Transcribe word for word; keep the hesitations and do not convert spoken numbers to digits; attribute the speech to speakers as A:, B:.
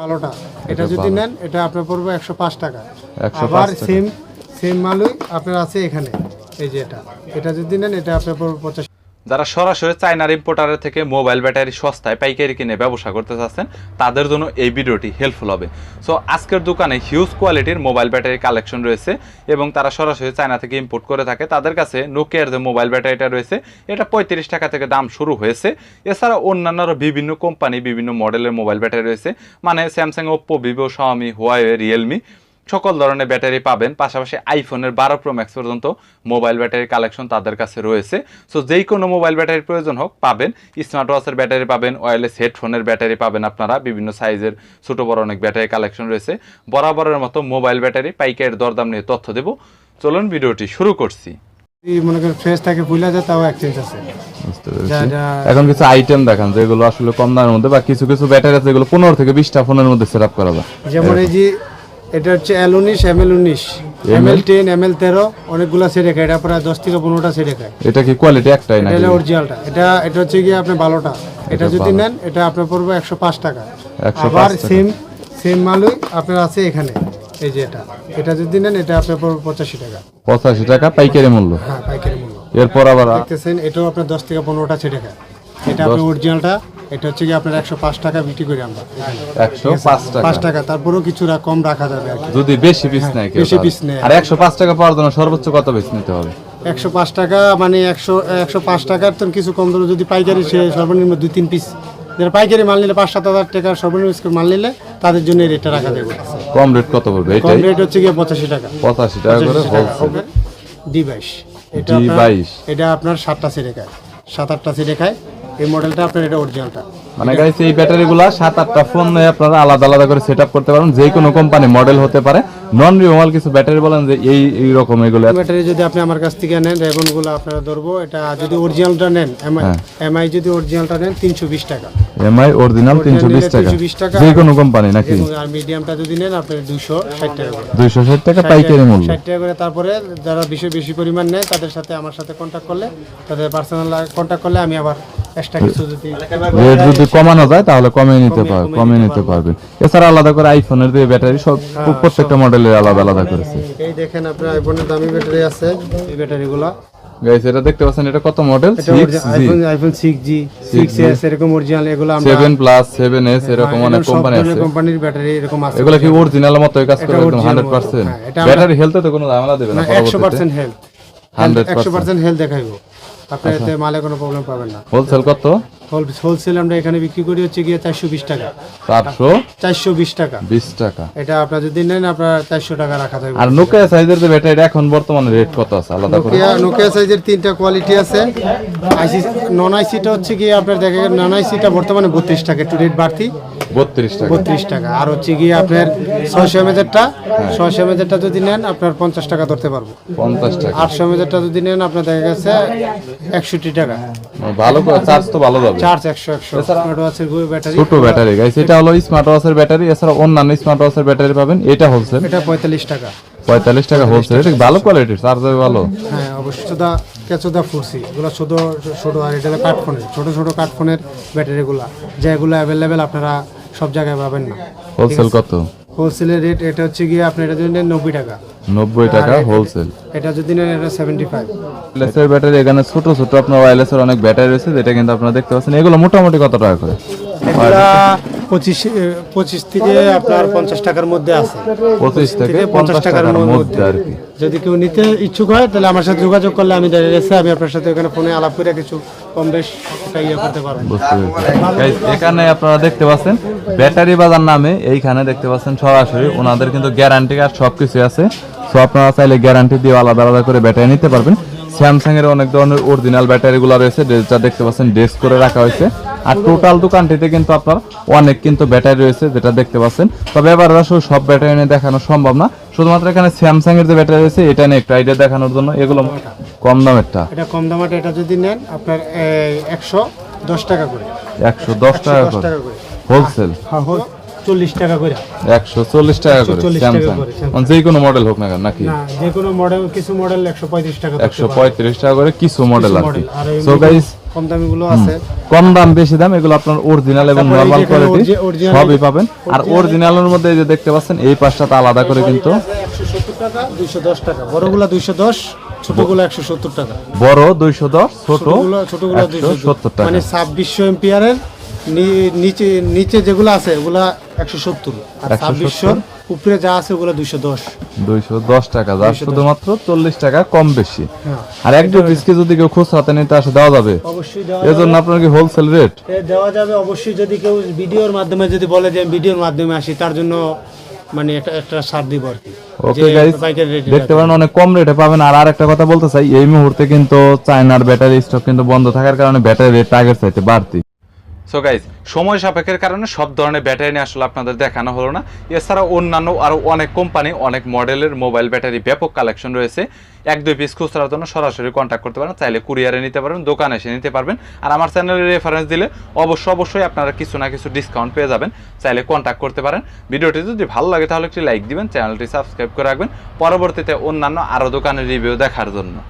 A: ভালোটা এটা যদি নেন এটা আপনার পড়বে একশো পাঁচ টাকা। আবার সেম সেম মালই আপনার আছে এখানে, এই যে এটা এটা যদি নেন এটা আপনার পড়বে পঁচাশি।
B: যারা সরাসরি চায়নার ইম্পোর্টারের থেকে মোবাইল ব্যাটারি সস্তায় পাইকারি কিনে ব্যবসা করতে চাচ্ছেন তাদের জন্য এই ভিডিওটি হেল্পফুল হবে। সো আজকের দোকানে হিউজ কোয়ালিটির মোবাইল ব্যাটারি কালেকশন রয়েছে এবং তারা সরাসরি চায়না থেকে ইম্পোর্ট করে থাকে। তাদের কাছে নোকিয়ার যে মোবাইল ব্যাটারিটা রয়েছে এটা পঁয়ত্রিশ টাকা থেকে দাম শুরু হয়েছে। এছাড়া অন্যান্য বিভিন্ন কোম্পানি বিভিন্ন মডেলের মোবাইল ব্যাটারি রয়েছে, মানে Samsung, Oppo, Vivo, Xiaomi, Huawei, Realme সকল ধরনের ব্যাটারি পাবেন। পাশাপাশি আইফোনের বারো প্রো ম্যাক্স পর্যন্ত মোবাইল ব্যাটারি কালেকশন তাদের কাছে রয়েছে। সো যেই কোনো মোবাইল ব্যাটারির প্রয়োজন হোক পাবেন। স্মার্ট ওয়াচের ব্যাটারি পাবেন, ওয়্যারলেস হেডফোনের ব্যাটারি পাবেন আপনারা, বিভিন্ন সাইজের ছোটো বড় অনেক ব্যাটারি কালেকশন রয়েছে। বরাবরের মতো মোবাইল ব্যাটারি পাইকারি দরদাম নিয়ে তথ্য দেব। চলুন ভিডিওটি শুরু করছি।
A: মনে করেন ফ্রেশ থাকে ফুলা যায় তাও এক্সচেঞ্জ আছে।
C: এখন কিছু আইটেম দেখান যেগুলো আসলে কম দামের মধ্যে, বা কিছু কিছু ব্যাটারি আছে যেগুলো পনেরো থেকে বিশটা ফোনের মধ্যে সেট আপ করা যায়।
A: যেমন এই যে এটা হচ্ছে এল উনিশ, এম এল উনিশ, M L ten, M L তেরো, অনেকগুলো সেট দেখায়। এটা প্রায় দশ থেকে পনেরোটা সেট দেখায়।
C: এটা কি কোয়ালিটি একটাই না?
A: এটা অরিজিনালটা। এটা এটা হচ্ছে গিয়ে আপনি ভালোটা এটা যদি নেন এটা আপনার পড়বে একশো পাঁচ টাকা। আবার সেম সেম মালই আপনার আছে এখানে, এই যে এটা এটা যদি নেন এটা আপনার পড়বে পঁচাশি টাকা।
C: পঁচাশি টাকা পাইকারি মূল্য?
A: হ্যাঁ, পাইকারি মূল্য।
C: এরপর আবার
A: দেখতেছেন এটাও আপনার দশ থেকে পনেরোটা সেট দেখায়। এটা আপনার অরিজিনালটা। এটা হচ্ছে কি আপনার একশো পাঁচ টাকা বিক্রি করি আমরা।
C: একশো পাঁচ টাকা
A: পাঁচ টাকা তারপরেও কিছু কম রাখা যাবে আর কি,
C: যদি বেশি পিস নেয়।
A: বেশি পিস নেয়।
C: আর একশো পাঁচ টাকা পাওয়ার জন্য সর্বোচ্চ কত পিস নিতে হবে?
A: একশো পাঁচ টাকা মানে একশো একশো পাঁচ টাকার তো কিছু কম ধরো, যদি পাইকারি সে সর্বনিম্ন দুই তিন পিস, যারা পাইকারি মাল নিলে পাঁচ সাত হাজার টাকার সর্বনিম্ন মাল নিলে তাদের জন্য রেটটা রাখা যাবে।
C: কম রেট কত পড়বে?
A: কম রেট হচ্ছে গিয়ে পঁচাশি টাকা।
C: পঁচাশি টাকা করে হোলসেল।
A: ডি বাইশ এটা
C: ডি বাইশ
A: এটা আপনার সাতটা সিটে খায়, সাত আটটা সিটে খায়। এই মডেলটা আপনার এটা অরিজিনালটা।
C: মানে গাইস এই ব্যাটারিগুলো সাত আটটা ফোন নিয়ে আপনারা আলাদা আলাদা করে সেটআপ করতে পারেন। যে কোনো কোম্পানি মডেল হতে পারে। নন রিমুভাল কিছু ব্যাটারি বলেন যে এই এই রকম এগুলো
A: ব্যাটারি যদি আপনি আমার কাছ থেকে নেন রেবনগুলো আপনারা ধরবো, এটা যদি অরিজিনালটা নেন এমআই এমআই যদি অরিজিনালটা নেন তিনশো বিশ টাকা।
C: এমআই অরিজিনাল তিনশো বিশ টাকা যে কোনো কোম্পানি নাকি?
A: আর মিডিয়ামটা যদি নেন আপনি দুইশো ষাট টাকা করে।
C: দুইশো ষাট টাকা পাইকারি মূল্য।
A: ষাট টাকা করে। তারপরে যারা বেশি বেশি পরিমাণ নেয় তাদের সাথে আমার সাথে কন্টাক্ট করলে, তাদের পার্সোনাল কন্টাক্ট করলে আমি আবার এক্সট্রা কিছু যদি
C: রেট যদি কমানো যায় তাহলে কমিয়ে নিতে পারবে কমিয়ে নিতে পারবেন। এছাড়া আলাদা করে আইফোনের যে ব্যাটারি সব প্রত্যেকটা মডেলের আলাদা আলাদা করেছে।
A: এই দেখেন আপনার আইফোনের দামি ব্যাটারি আছে, এই ব্যাটারিগুলো
C: গাইস এটা দেখতে পাচ্ছেন এটা কত model?
A: IPhone iPhone six G, six S এরকম অরিজিনাল। এগুলো আমরা
C: সেভেন প্লাস, সেভেন এস এরকম অনেক কোম্পানি আছে।
A: কোম্পানির ব্যাটারি এরকম আছে।
C: এগুলো কি অরিজিনাল মতই কাজ করে একদম একশো পার্সেন্ট? ব্যাটারি হেলথে তো কোনো ঝামেলা দেবে না?
A: একশো পার্সেন্ট হেলথ, একশো পার্সেন্ট হেলথ দেখাইবো। আপনার এতে মালে কোনো প্রবলেম পাবেন না।
C: হোলসেল কত?
A: হোলসেল আমরা এখানে বিক্রি করি হচ্ছে গিয়ে চারশো বিশ টাকা।
C: চারশো
A: চারশো বিশ টাকা
C: বিশ টাকা।
A: এটা আপনার যদি নেন আপনার চারশো টাকা রাখা যাবে।
C: আর নোকিয়া সাইজের যে ব্যাটারি এখন বর্তমানে রেট কত আছে আলাদা করে?
A: নোকিয়া নোকিয়া সাইজের তিনটা কোয়ালিটি আছে। আইসি নন আইসিটা হচ্ছে গিয়ে আপনার দেখেন নন আইসিটা বর্তমানে বত্রিশ টাকা, একটু রেট বাড়তি
C: বত্রিশ টাকা
A: বত্রিশ টাকা। আর হচ্ছে গিয়ে আপনার ছয়শো এমএজেরটা ছয়শো এমএজেরটা যদি নেন আপনার পঞ্চাশ টাকা ধরতে পারবো।
C: পঞ্চাশ টাকা।
A: আটশো এমএজেরটা যদি নেন আপনার দেখা গেছে একষট্টি টাকা।
C: ভালো করে চার্জ তো ভালো যাবে।
A: চার্জ একশো একশো। স্মার্ট ওয়াচের ব্যাটারি,
C: ছোট ব্যাটারি গাইস, এটা হলো স্মার্ট ওয়াচের ব্যাটারি। এছাড়া অন্যান্য স্মার্ট ওয়াচের ব্যাটারি পাবেন। এটা হোলসেল,
A: এটা পঁয়তাল্লিশ টাকা।
C: পঁয়তাল্লিশ টাকা হোলসেল। এটা ভালো কোয়ালিটির, চার্জ হবে ভালো।
A: হ্যাঁ অবশ্যই। চোদা কেচোদা ফুরসি এগুলো ছোট ছোট, আর এটা কাঠফোনের ছোট ছোট কাঠফোনের ব্যাটারিগুলো, যেগুলো অ্যাভেলেবেল আপনারা সব জায়গায় পাবেন না।
C: হোলসেল কত?
A: হোলসেলের রেট এটা হচ্ছে গিয়ে আপনি এটা যদি নেন নব্বই টাকা।
C: নব্বই টাকা হোলসেল।
A: এটা যদি নেন এটা সেভেন্টি ফাইভ।
C: ওয়্যারলেসের ব্যাটারি এখানে ছোট ছোট আপনার ওয়্যারলেসের অনেক ব্যাটারি রয়েছে, যেটা কিন্তু আপনারা দেখতে পাচ্ছেন। এগুলো মোটামুটি কত টাকা করে?
A: এগুলা পঁচিশ পঁচিশ থেকে আপনার পঞ্চাশ টাকার মধ্যে আছে।
C: পঁচিশ থেকে
A: পঞ্চাশ টাকার মধ্যে
C: আর কি।
A: যদি কেউ নিতে ইচ্ছুক হয় তাহলে আমার সাথে যোগাযোগ করলে আমি দেখা গেছে আমি আপনার সাথে ওখানে ফোনে আলাপ করে কিছু কম বেশ ইয়ে করতে পারবো।
C: বুঝতে পেরেছি। এখানে আপনারা দেখতে পাচ্ছেন ব্যাটারি বাজার নামে, এইখানে দেখতে পাচ্ছেন সরাসরি ওনাদের কিন্তু গ্যারান্টি আর সব কিছু আছে। সো আপনারা চাইলে গ্যারান্টি দিয়ে আলাদা আলাদা করে ব্যাটারি নিতে পারবেন। স্যামসাং এর অনেক ধরনের অরিজিনাল ব্যাটারিগুলো রয়েছে, যেটা দেখতে পাচ্ছেন ডেস্ক করে রাখা হয়েছে। আর টোটাল দোকানটিতে কিন্তু আপনার অনেক কিন্তু ব্যাটারি রয়েছে, যেটা দেখতে পাচ্ছেন। তবে এবার আসলে সব ব্যাটারি নিয়ে দেখানো সম্ভব না, শুধুমাত্র এখানে স্যামসাং এর যে ব্যাটারি রয়েছে এটা নিয়ে একটু আইডিয়া দেখানোর জন্য। এগুলো কম দামেরটা,
A: এটা কম দামেরটা এটা যদি নেন আপনার একশো দশ টাকা করে।
C: একশো দশ টাকা করে হোলসেল।
A: হ্যাঁ চল্লিশ টাকা করে,
C: একশো চল্লিশ টাকা করে স্যামসাং, মানে যে কোনো মডেল হোক না কেন নাকি?
A: না যে কোনো মডেল, কিছু মডেল একশো পঁয়ত্রিশ টাকা,
C: একশো পঁয়ত্রিশ টাকা করে কিছু মডেল আর কি। সো গাইস
A: কম দামিগুলো আছে।
C: কম দাম বেশি দাম এগুলো আপনার অরিজিনাল এবং
A: তারপরে এই যে
C: নরমাল
A: এখানে
C: কোয়ালিটি
A: origi- original-
C: সবই পাবেন। আর
A: original-
C: অরিজিনালের মধ্যে এই যে দেখতে পাচ্ছেন এই পাশটাতে আলাদা করে কিন্তু
A: একশো সত্তর টাকা, দুইশো দশ টাকা, বড়গুলা দুইশো দশ, ছোটগুলো একশো সত্তর টাকা।
C: বড় দুইশো দশ, ছোট
A: ছোটগুলো ছোটগুলো
C: একশো
A: দুইশো
C: সত্তর টাকা।
A: মানে ছাব্বিশশো এম্পিয়ারের নি- নিচে নিচে যেগুলো আছে ওগুলা একশো সত্তর, আর
C: একশো
A: ছাব্বিশশোর উপরে যা আছে ওগুলো দুইশো দশ।
C: দুইশো দশ টাকা, যার শুধুমাত্র চল্লিশ টাকা কম বেশি।
A: হ্যাঁ,
C: আর এক দুই পিসকে যদি কেউ খুচরাতে নিতে আসে দেওয়া যাবে,
A: অবশ্যই দেওয়া
C: এর জন্য আপনার কি হোলসেল রেট?
A: এ দেওয়া যাবে অবশ্যই। যদি কেউ ভিডিওর মাধ্যমে যদি বলে যে আমি ভিডিওর মাধ্যমে আসি, তার জন্য মানে একটা একটা ছাড় দিব আর কি।
C: ওকে
A: যে
C: গাইস,
A: পাইকারি রেটে
C: দেখতে পারেন অনেক কম রেটে পাবেন। আর আরেকটা কথা বলতে চাই, এই মুহূর্তে কিন্তু চায়নার ব্যাটারি স্টক কিন্তু বন্ধ থাকার কারণে ব্যাটারি রেট আগের চাইতে বাড়তি।
B: সো গাইজ, সময় সাপেক্ষের কারণে সব ধরনের ব্যাটারি নিয়ে আসলে আপনাদের দেখানো হলো না। এছাড়া অন্যান্য আরও অনেক কোম্পানি, অনেক মডেলের মোবাইল ব্যাটারি ব্যাপক কালেকশন রয়েছে। এক দুই পিস খুচরার জন্য সরাসরি কন্ট্যাক্ট করতে পারেন, চাইলে কুরিয়ারে নিতে পারবেন, দোকানে এসে নিতে পারবেন। আর আমার চ্যানেলের রেফারেন্স দিলে অবশ্যই অবশ্যই আপনারা কিছু না কিছু ডিসকাউন্ট পেয়ে যাবেন, চাইলে কন্ট্যাক্ট করতে পারেন। ভিডিওটি যদি ভালো লাগে তাহলে একটি লাইক দিবেন, চ্যানেলটি সাবস্ক্রাইব করে রাখবেন পরবর্তীতে অন্যান্য আরও দোকানের রিভিউ দেখার জন্য।